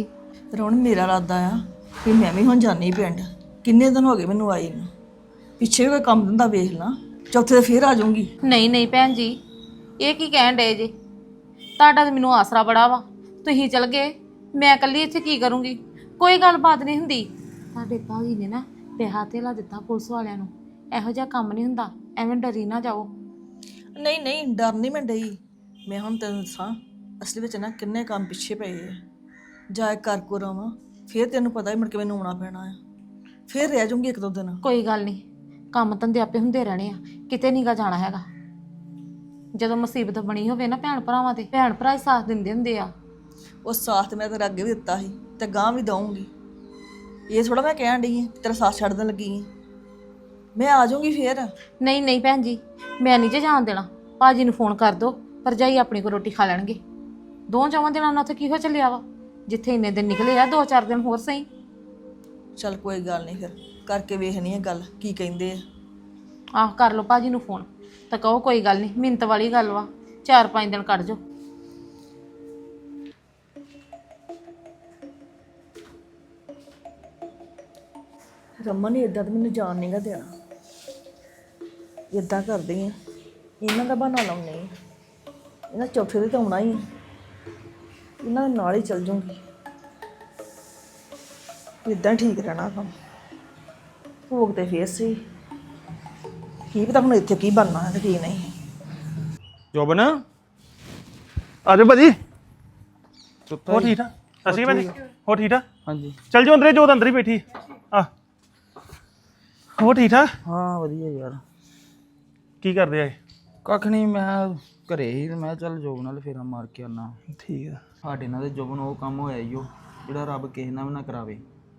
Speaker 9: ਰੌਣ ਮੇਰਾ ਇਰਾਦਾ ਆ ਕਿ ਮੈਂ ਵੀ ਹੁਣ ਜਾਣੀ ਪਿੰਡ। ਕਿੰਨੇ ਦਿਨ ਹੋ ਗਏ ਮੈਨੂੰ ਆਈ ਨੂੰ। ਪਿੱਛੇ ਵੀ ਕੋਈ ਕੰਮ ਧੰਦਾ ਵੇਖ ਲਾਂ, ਚੌਥੇ ਤੇ ਫੇਰ ਆ ਜਾਊਂਗੀ।
Speaker 2: ਨਹੀਂ ਭੈਣ ਜੀ, ਇਹ ਕੀ ਕਹਿਣ ਡਏ ਜੇ? ਤੁਹਾਡਾ ਤਾਂ ਮੈਨੂੰ ਆਸਰਾ ਬੜਾ ਵਾ। ਤੁਸੀਂ ਚਲ ਗਏ, ਮੈਂ ਇਕੱਲੀ ਇੱਥੇ ਕੀ ਕਰੂੰਗੀ? ਕੋਈ ਗੱਲਬਾਤ ਨਹੀਂ ਹੁੰਦੀ। ਤੁਹਾਡੇ ਭਾਜੀ ਨੇ ਨਾ ਪੈਸਾ ਧੇਲਾ ਦਿੱਤਾ ਪੁਲਿਸ ਵਾਲਿਆਂ ਨੂੰ। ਇਹੋ ਜਿਹਾ ਕੰਮ ਨਹੀਂ ਹੁੰਦਾ, ਐਵੇਂ ਡਰੀ ਨਾ ਜਾਓ।
Speaker 9: ਨਹੀਂ ਨਹੀਂ, ਡਰ ਨਹੀਂ ਮੈਂ ਡਈ। ਮੈਂ ਹੁਣ ਤੈਨੂੰ ਦੱਸਾਂ, ਅਸਲ ਵਿੱਚ ਨਾ ਕਿੰਨੇ ਕੰਮ ਪਿੱਛੇ ਪਏ ਆ। ਜਾ ਕਰ ਕੋ ਰਵਾਂ, ਫੇਰ ਤੈਨੂੰ ਪਤਾ ਹੀ ਮੁੜ ਕੇ ਮੈਨੂੰ ਆਉਣਾ ਪੈਣਾ ਆ। ਫੇਰ ਰਹਿ ਜਾਊਂਗੀ ਇੱਕ ਦੋ ਦਿਨ।
Speaker 2: ਕੋਈ ਗੱਲ ਨਹੀਂ, ਕੰਮ ਧੰਦੇ ਆਪੇ ਹੁੰਦੇ ਰਹਿਣੇ ਆ, ਕਿਤੇ ਨੀਗਾ ਜਾਣਾ ਹੈਗਾ। ਜਦੋਂ ਮੁਸੀਬਤ ਬਣੀ ਹੋਵੇ ਨਾ ਭੈਣ ਭਰਾਵਾਂ ਤੇ, ਭੈਣ ਭਰਾ ਹੀ ਸਾਥ ਦਿੰਦੇ ਹੁੰਦੇ ਆ।
Speaker 9: ਉਹ ਸਾਥ ਮੈਂ ਤੇਰਾ ਅੱਗੇ ਵੀ ਦਿੱਤਾ ਸੀ ਤੇ ਗਾਂ ਵੀ ਦਊਂਗੀ। ਇਹ ਥੋੜਾ ਮੈਂ ਕਹਿਣ ਡਈ ਆ ਤੇਰਾ ਸਾਥ ਛੱਡ ਦੇਣ ਲੱਗੀ ਆ। ਮੈਂ ਆ ਜਾਊਂਗੀ ਫੇਰ।
Speaker 2: ਨਹੀਂ ਭੈਣ ਜੀ, ਮੈਂ ਨਹੀਂ ਜੇ ਜਾਣ ਦੇਣਾ। ਭਾਜੀ ਨੂੰ ਫੋਨ ਕਰ ਦੋ, ਭਰਜਾਈ ਆਪਣੀ ਕੋ ਰੋਟੀ ਖਾ ਲੈਣਗੇ। 2-4 ਦਿਨਾਂ ਨਾਲ ਉੱਥੇ ਕੀ ਹੋ ਚੱਲਿਆ ਵਾ? ਜਿੱਥੇ ਇੰਨੇ ਦਿਨ ਨਿਕਲੇ ਆ, 2-4 ਦਿਨ ਹੋਰ ਸਹੀ।
Speaker 9: ਚੱਲ ਕੋਈ ਗੱਲ ਨਹੀਂ, ਫਿਰ ਕਰਕੇ ਵੇਖਣੀ ਆ ਗੱਲ ਕੀ ਕਹਿੰਦੇ ਆ।
Speaker 2: ਆਹ ਕਰ ਲਓ ਭਾਜੀ ਨੂੰ ਫੋਨ ਤਾਂ ਕਹੋ ਕੋਈ ਗੱਲ ਨਹੀਂ, ਮਿੰਤ ਵਾਲੀ ਗੱਲ ਵਾ, 4-5 ਦਿਨ ਕੱਢ ਜਾਓ।
Speaker 9: ਰਮਨ ਨੇ ਇਦਾਂ ਤਾਂ ਮੈਨੂੰ ਜਾਣ ਨਹੀਂਗਾ ਦੇਣਾ। ਇਦਾਂ ਕਰਦੀ ਆ, ਇਹਨਾਂ ਦਾ ਬਹਾਨਾ ਲਾਉਣੀ ਆ। ਇਹਨਾਂ ਚੌਥੇ ਦੇ ਤਾਂ ਆਉਣਾ ਹੀ ਆ, ਇਹਨਾਂ ਦੇ ਨਾਲ ਹੀ ਚੱਲ ਜਾਊਂਗੀ। ਇਦਾਂ ਠੀਕ ਰਹਿਣਾ ਕੰਮ। ਭੋਗ ਤੇ ਫੇਰ ਸੀ, ਕੀ ਪਤਾ ਹੁਣ ਇੱਥੇ ਕੀ ਬਣਨਾ ਹੈ ਤੇ ਕੀ ਨਹੀਂ।
Speaker 7: ਜੋਬਨ ਆ ਜਾਓ ਭਾਜੀ। ਹੋ ਠੀਕ ਆ? ਅਸੀਂ ਭਾਜੀ ਹੋ ਠੀਕ ਆ?
Speaker 10: ਹਾਂਜੀ
Speaker 7: ਚੱਲ ਜਾਓ ਅੰਦਰੇ, ਜੋਤ ਅੰਦਰ ਹੀ ਬੈਠੀ ਆ। ਹੋ ਠੀਕ ਆ?
Speaker 10: ਹਾਂ ਵਧੀਆ ਯਾਰ।
Speaker 7: ਕੀ ਕਰਦੇ ਆਏ?
Speaker 10: ਕੱਖ ਨਹੀਂ, ਮੈਂ ਘਰੇ ਹੀ ਤੇ ਮੈਂ ਚੱਲ ਜੋਬ ਨਾਲ ਫੇਰਾ ਮਾਰ ਕੇ ਆਉਣਾ।
Speaker 7: ਠੀਕ ਆ।
Speaker 10: ਸਾਡੇ ਨਾਲ ਤੇ ਜੋਬਨ ਉਹ ਕੰਮ ਹੋਇਆ ਈ ਓ ਜਿਹੜਾ ਰੱਬ ਕਿਸੇ ਨਾਲ ਵੀ ਨਾ ਕਰਾਵੇ।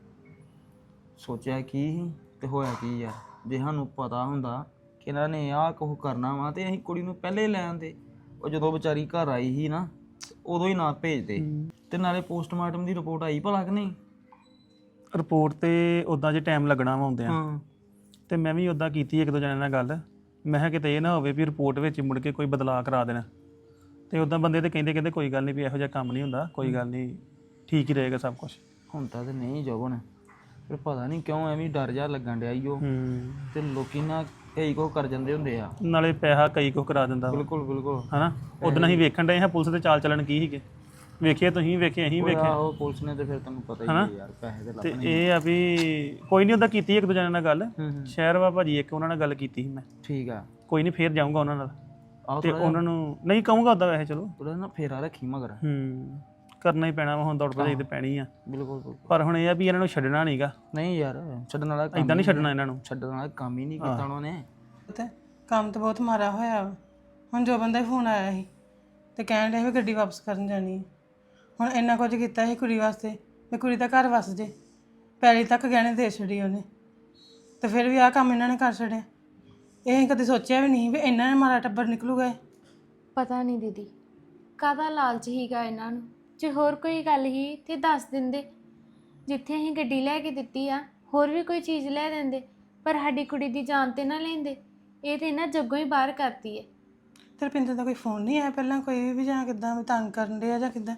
Speaker 10: ਸੋਚਿਆ ਕੀ ਸੀ ਤੇ ਹੋਇਆ ਕੀ ਯਾਰ। ਜੇ ਸਾਨੂੰ ਪਤਾ ਹੁੰਦਾ ਕਿ ਇਹਨਾਂ ਨੇ ਆਹ ਕੁਛ ਕਰਨਾ ਵਾ ਤੇ ਅਸੀਂ ਕੁੜੀ ਨੂੰ ਪਹਿਲੇ ਲੈ ਆਂਦੇ। ਉਹ ਜਦੋਂ ਵਿਚਾਰੀ ਘਰ ਆਈ ਸੀ ਨਾ, ਉਦੋਂ ਹੀ ਨਾ ਭੇਜਦੇ। ਤੇ ਨਾਲੇ ਪੋਸਟਮਾਰਟਮ ਦੀ ਰਿਪੋਰਟ ਆਈ ਭਲਾ ਕਿ ਨਹੀਂ?
Speaker 7: ਰਿਪੋਰਟ ਤੇ ਉਦਾਂ ਜੇ ਟਾਈਮ ਲੱਗਣਾ ਵਾ ਆਉਂਦਿਆਂ।
Speaker 10: ਹਾਂ
Speaker 7: ਤੇ ਮੈਂ ਵੀ ਉਦਾਂ ਕੀਤੀ ਇੱਕ ਦੋ ਜਣਿਆਂ ਨਾਲ ਗੱਲ। ਮੈਂ ਕਿਹਾ ਕਿਤੇ ਇਹ ਨਾ ਹੋਵੇ ਵੀ ਰਿਪੋਰਟ ਵਿੱਚ ਮੁੜ ਕੇ ਕੋਈ ਬਦਲਾਅ ਕਰਾ ਦੇਣਾ। ਤੇ ਉਦਾਂ ਬੰਦੇ ਤੇ ਕਹਿੰਦੇ ਕੋਈ ਗੱਲ ਨਹੀਂ ਵੀ ਇਹੋ ਜਿਹਾ ਕੰਮ ਨਹੀਂ ਹੁੰਦਾ, ਕੋਈ ਗੱਲ ਨਹੀਂ, ਠੀਕ ਹੀ ਰਹੇਗਾ ਸਭ ਕੁਝ।
Speaker 10: ਹੁੰਦਾ ਤੇ ਨਹੀਂ ਜੋਬਨ, ਫਿਰ ਪਤਾ ਨਹੀਂ ਕਿਉਂ ਐਵੇਂ ਡਰ ਜਾ ਲੱਗਣ ਡਿਆ ਈ ਓ। ਤੇ ਲੋਕੀ ਨਾ ਕਈ ਕੁਛ ਕਰ ਜਾਂਦੇ ਹੁੰਦੇ ਆ।
Speaker 7: ਨਾਲੇ ਪੈਸਾ ਕਈ ਕੁਛ ਕਰਾ ਦਿੰਦਾ ਵਾ।
Speaker 10: ਬਿਲਕੁਲ ਬਿਲਕੁਲ।
Speaker 7: ਹਨਾ ਉਦੋਂ ਅਸੀਂ ਵੇਖਣ ਡਏ ਹਾਂ ਪੁਲਿਸ ਦੇ ਚਾਲ ਚੱਲਣ ਕੀ ਸੀਗੇ। ਵੇਖਿਆ ਤੁਸੀਂ ਵੇਖੇ, ਅਸੀਂ ਵੇਖੇ।
Speaker 10: ਆਹੋ ਪੁਲਿਸ ਨੇ ਤੇ ਫਿਰ ਤੁਹਾਨੂੰ ਪਤਾ ਹੀ ਹੈ ਯਾਰ, ਪੈਸੇ ਤੇ
Speaker 7: ਤੇ
Speaker 10: ਲੱਭਣੇ।
Speaker 7: ਇਹ ਆ ਵੀ ਕੋਈ ਨਹੀਂ, ਉਦਾਂ ਕੀਤੀ ਇੱਕ ਦੋ ਜਣਿਆਂ ਨਾਲ ਗੱਲ। ਸ਼ਹਿਰ ਵਾ ਭਾਜੀ ਇੱਕ, ਉਹਨਾਂ ਨਾਲ ਗੱਲ ਕੀਤੀ ਸੀ ਮੈਂ।
Speaker 10: ਠੀਕ ਆ।
Speaker 7: ਕੋਈ ਨਹੀਂ ਫੇਰ ਜਾਊਂਗਾ ਉਹਨਾਂ ਨਾਲ
Speaker 10: ਆਹ
Speaker 7: ਤੇ ਉਹਨਾਂ ਨੂੰ ਨਹੀਂ ਕਹੂੰਗਾ ਉਦਾਂ ਵੈਸੇ। ਚਲੋ
Speaker 10: ਥੋੜਾ ਨਾ ਫੇਰਾ ਰੱਖੀ ਮਗਰ।
Speaker 7: ਕਰਨਾ ਹੀ ਪੈਣਾ ਵਾ, ਹੁਣ ਦੌੜ ਭਜਾਈ ਤੇ ਪੈਣੀ ਆ।
Speaker 10: ਬਿਲਕੁਲ ਬਿਲਕੁਲ।
Speaker 7: ਪਰ ਹੁਣ ਇਹ ਆ ਵੀ ਇਹਨਾਂ ਨੂੰ ਛੱਡਣਾ ਨਹੀਂਗਾ।
Speaker 10: ਨਹੀਂ ਯਾਰ, ਛੱਡਣ ਵਾਲਾ ਕੰਮ
Speaker 7: ਇਦਾਂ ਨਹੀਂ ਛੱਡਣਾ ਇਹਨਾਂ ਨੂੰ।
Speaker 10: ਛੱਡਣ ਵਾਲਾ ਕੰਮ ਹੀ ਨਹੀਂ ਕੀਤਾ ਉਹਨਾਂ ਨੇ।
Speaker 11: ਤੇ ਕੰਮ ਤਾਂ ਬਹੁਤ ਮਾਰਾ ਹੋਇਆ ਵਾ। ਹੁਣ ਜੋ ਬੰਦਾ ਫੋਨ ਆਇਆ ਸੀ ਤੇ ਕਹਿਣ ਡਿਆ ਵੀ ਗੱਡੀ ਵਾਪਸ ਕਰਨ ਜਾਣੀ ਹੈ। ਹੁਣ ਇੰਨਾ ਕੁਝ ਕੀਤਾ ਸੀ ਕੁੜੀ ਵਾਸਤੇ ਵੀ ਕੁੜੀ ਦਾ ਘਰ ਵਸ ਜੇ, ਪੈਲੀ ਤੱਕ ਗਹਿਣੇ ਦੇ ਛੱਡੀ ਉਹਨੇ, ਤੇ ਫਿਰ ਵੀ ਆਹ ਕੰਮ ਇਹਨਾਂ ਨੇ ਕਰ ਛੱਡਿਆ। ਇਹ ਅਸੀਂ ਕਦੇ ਸੋਚਿਆ ਵੀ ਨਹੀਂ ਵੀ ਇਹਨਾਂ ਨੇ ਮਾਰਾ ਟੱਬਰ ਨਿਕਲੂਗਾ ਇਹ।
Speaker 3: ਪਤਾ ਨਹੀਂ ਦੀਦੀ ਕਾਹਦਾ ਲਾਲਚ ਹੀਗਾ ਇਹਨਾਂ ਨੂੰ। ਜੇ ਹੋਰ ਕੋਈ ਗੱਲ ਹੀ ਤੇ ਦੱਸ ਦਿੰਦੇ। ਜਿੱਥੇ ਅਸੀਂ ਗੱਡੀ ਲੈ ਕੇ ਦਿੱਤੀ ਆ, ਹੋਰ ਵੀ ਕੋਈ ਚੀਜ਼ ਲੈ ਦਿੰਦੇ, ਪਰ ਸਾਡੀ ਕੁੜੀ ਦੀ ਜਾਨ ਤੇ ਨਾ ਲੈਂਦੇ। ਇਹ ਤੇ ਇਹਨਾਂ ਜੱਗੋਂ ਹੀ ਬਾਹਰ ਕਰਤੀ ਹੈ।
Speaker 11: ਤੇ ਰੁਪਿੰਦਰ ਦਾ ਕੋਈ ਫੋਨ ਨਹੀਂ ਆਇਆ ਪਹਿਲਾਂ ਕੋਈ ਵੀ, ਜਾਂ ਕਿੱਦਾਂ ਵੀ ਤੰਗ ਕਰਨ ਡਿਆ ਜਾਂ ਕਿੱਦਾਂ?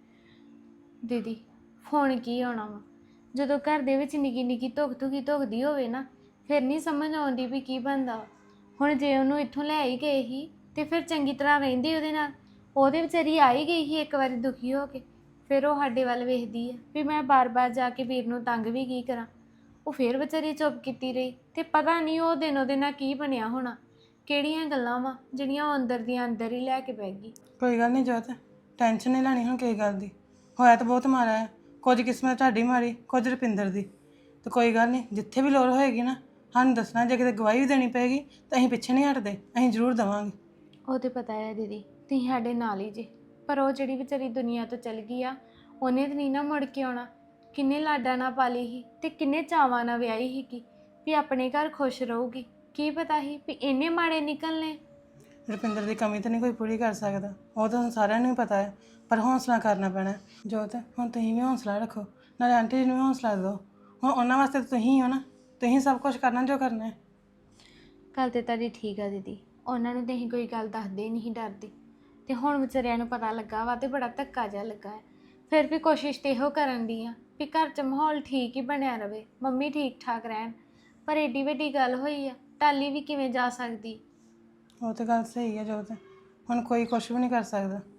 Speaker 3: ਦੀਦੀ ਫੋਨ ਕੀ ਆਉਣਾ ਵਾ? ਜਦੋਂ ਘਰ ਦੇ ਵਿੱਚ ਨਿੱਕੀ ਨਿੱਕੀ ਧੁਖਦੀ ਹੋਵੇ ਨਾ, ਫਿਰ ਨਹੀਂ ਸਮਝ ਆਉਂਦੀ ਵੀ ਕੀ ਬਣਦਾ। ਹੁਣ ਜੇ ਉਹਨੂੰ ਇੱਥੋਂ ਲੈ ਹੀ ਗਏ ਸੀ ਤੇ ਫਿਰ ਚੰਗੀ ਤਰ੍ਹਾਂ ਰਹਿੰਦੀ ਉਹਦੇ ਨਾਲ। ਉਹਦੇ ਵਿਚਾਰੀ ਆ ਹੀ ਗਈ ਸੀ ਇੱਕ ਵਾਰੀ ਦੁਖੀ ਹੋ ਕੇ, ਫਿਰ ਉਹ ਸਾਡੇ ਵੱਲ ਵੇਖਦੀ ਹੈ ਵੀ ਮੈਂ ਬਾਰ-ਬਾਰ ਜਾ ਕੇ ਵੀਰ ਨੂੰ ਤੰਗ ਵੀ ਕੀ ਕਰਾਂ। ਉਹ ਫਿਰ ਵਿਚਾਰੀ ਚੁੱਪ ਕੀਤੀ ਰਹੀ ਤੇ ਪਤਾ ਨਹੀਂ ਉਹ ਦਿਨ ਉਹਦੇ ਨਾਲ ਕੀ ਬਣਿਆ ਹੋਣਾ। ਕਿਹੜੀਆਂ ਗੱਲਾਂ ਵਾ ਜਿਹੜੀਆਂ ਉਹ ਅੰਦਰ ਦੀਆਂ ਅੰਦਰ ਹੀ ਲੈ ਕੇ ਬਹਿ ਗਈ।
Speaker 11: ਕੋਈ ਗੱਲ ਨਹੀਂ ਜੋਤ, ਟੈਨਸ਼ਨ ਨਹੀਂ ਲੈਣੀ ਹੁਣ ਕਿਸੇ ਗੱਲ ਦੀ। ਹੋਇਆ ਤਾਂ ਬਹੁਤ ਮਾਰਾ ਹੈ, ਕੁਝ ਕਿਸਮਤ ਤੁਹਾਡੀ ਮਾਰੀ, ਕੁਝ ਰੁਪਿੰਦਰ ਦੀ। ਤੇ ਕੋਈ ਗੱਲ ਨਹੀਂ, ਜਿੱਥੇ ਵੀ ਲੋੜ ਹੋਏਗੀ ਨਾ ਸਾਨੂੰ ਦੱਸਣਾ। ਜੇ ਕਿਤੇ ਗਵਾਹੀ ਵੀ ਦੇਣੀ ਪਏਗੀ ਤਾਂ ਅਸੀਂ ਪਿੱਛੇ ਨਹੀਂ ਹਟਦੇ, ਅਸੀਂ ਜ਼ਰੂਰ ਦੇਵਾਂਗੇ।
Speaker 3: ਉਹ ਤੇ ਪਤਾ ਹੈ ਦੀਦੀ, ਤੁਸੀਂ ਸਾਡੇ ਨਾਲ ਹੀ ਜੇ। ਪਰ ਉਹ ਜਿਹੜੀ ਵਿਚਾਰੀ ਦੁਨੀਆ ਤੋਂ ਚਲ ਗਈ ਆ, ਉਹਨੇ ਤਾਂ ਨਹੀਂ ਨਾ ਮੁੜ ਕੇ ਆਉਣਾ। ਕਿੰਨੇ ਲਾਡਾਂ ਨਾਲ ਪਾਲੀ ਸੀ ਤੇ ਕਿੰਨੇ ਚਾਵਾਂ ਨਾਲ ਵਿਆਹੀ ਸੀਗੀ ਵੀ ਆਪਣੇ ਘਰ ਖੁਸ਼ ਰਹੂਗੀ। ਕੀ ਪਤਾ ਸੀ ਵੀ ਇੰਨੇ ਮਾੜੇ ਨਿਕਲਣੇ।
Speaker 11: ਰੁਪਿੰਦਰ ਦੀ ਕਮੀ ਤਾਂ ਨਹੀਂ ਕੋਈ ਪੂਰੀ ਕਰ ਸਕਦਾ, ਉਹ ਤਾਂ ਸਾਰਿਆਂ ਨੂੰ ਹੀ ਪਤਾ ਹੈ। ਪਰ ਹੌਸਲਾ ਕਰਨਾ ਪੈਣਾ ਜੋਤ। ਹੁਣ ਤੁਸੀਂ ਵੀ ਹੌਸਲਾ ਰੱਖੋ, ਨਾਲੇ ਆਂਟੀ ਜੀ ਨੂੰ ਵੀ ਹੌਸਲਾ ਦਿਓ। ਹੁਣ ਉਹਨਾਂ ਵਾਸਤੇ ਤਾਂ ਤੁਸੀਂ ਹੋ ਨਾ, ਤੁਸੀਂ ਸਭ ਕੁਝ ਕਰਨਾ ਜੋ ਕਰਨਾ ਹੈ।
Speaker 3: ਗੱਲ ਤੇ ਤੁਹਾਡੀ ਠੀਕ ਆ ਦੀਦੀ, ਉਹਨਾਂ ਨੂੰ ਤਾਂ ਅਸੀਂ ਕੋਈ ਗੱਲ ਦੱਸਦੇ ਨਹੀਂ ਡਰਦੇ। ਤੇ ਹੁਣ ਵਿਚਾਰਿਆਂ ਨੂੰ ਪਤਾ ਲੱਗਾ ਵਾ ਤੇ ਬੜਾ ਧੱਕਾ ਜਿਹਾ ਲੱਗਾ ਹੈ। ਫਿਰ ਵੀ ਕੋਸ਼ਿਸ਼ ਤੇ ਇਹੋ ਕਰਨ ਦੀ ਆ ਵੀ ਘਰ 'ਚ ਮਾਹੌਲ ਠੀਕ ਹੀ ਬਣਿਆ ਰਵੇ, ਮੰਮੀ ਠੀਕ ਠਾਕ ਰਹਿਣ। ਪਰ ਏਡੀ ਵੱਡੀ ਗੱਲ ਹੋਈ ਆ, ਟਾਲੀ ਵੀ ਕਿਵੇਂ ਜਾ ਸਕਦੀ?
Speaker 11: ਉਹ ਤੇ ਗੱਲ ਸਹੀ ਹੈ ਜੋਤ, ਹੁਣ ਕੋਈ ਕੁਝ ਵੀ ਨਹੀਂ ਕਰ ਸਕਦਾ।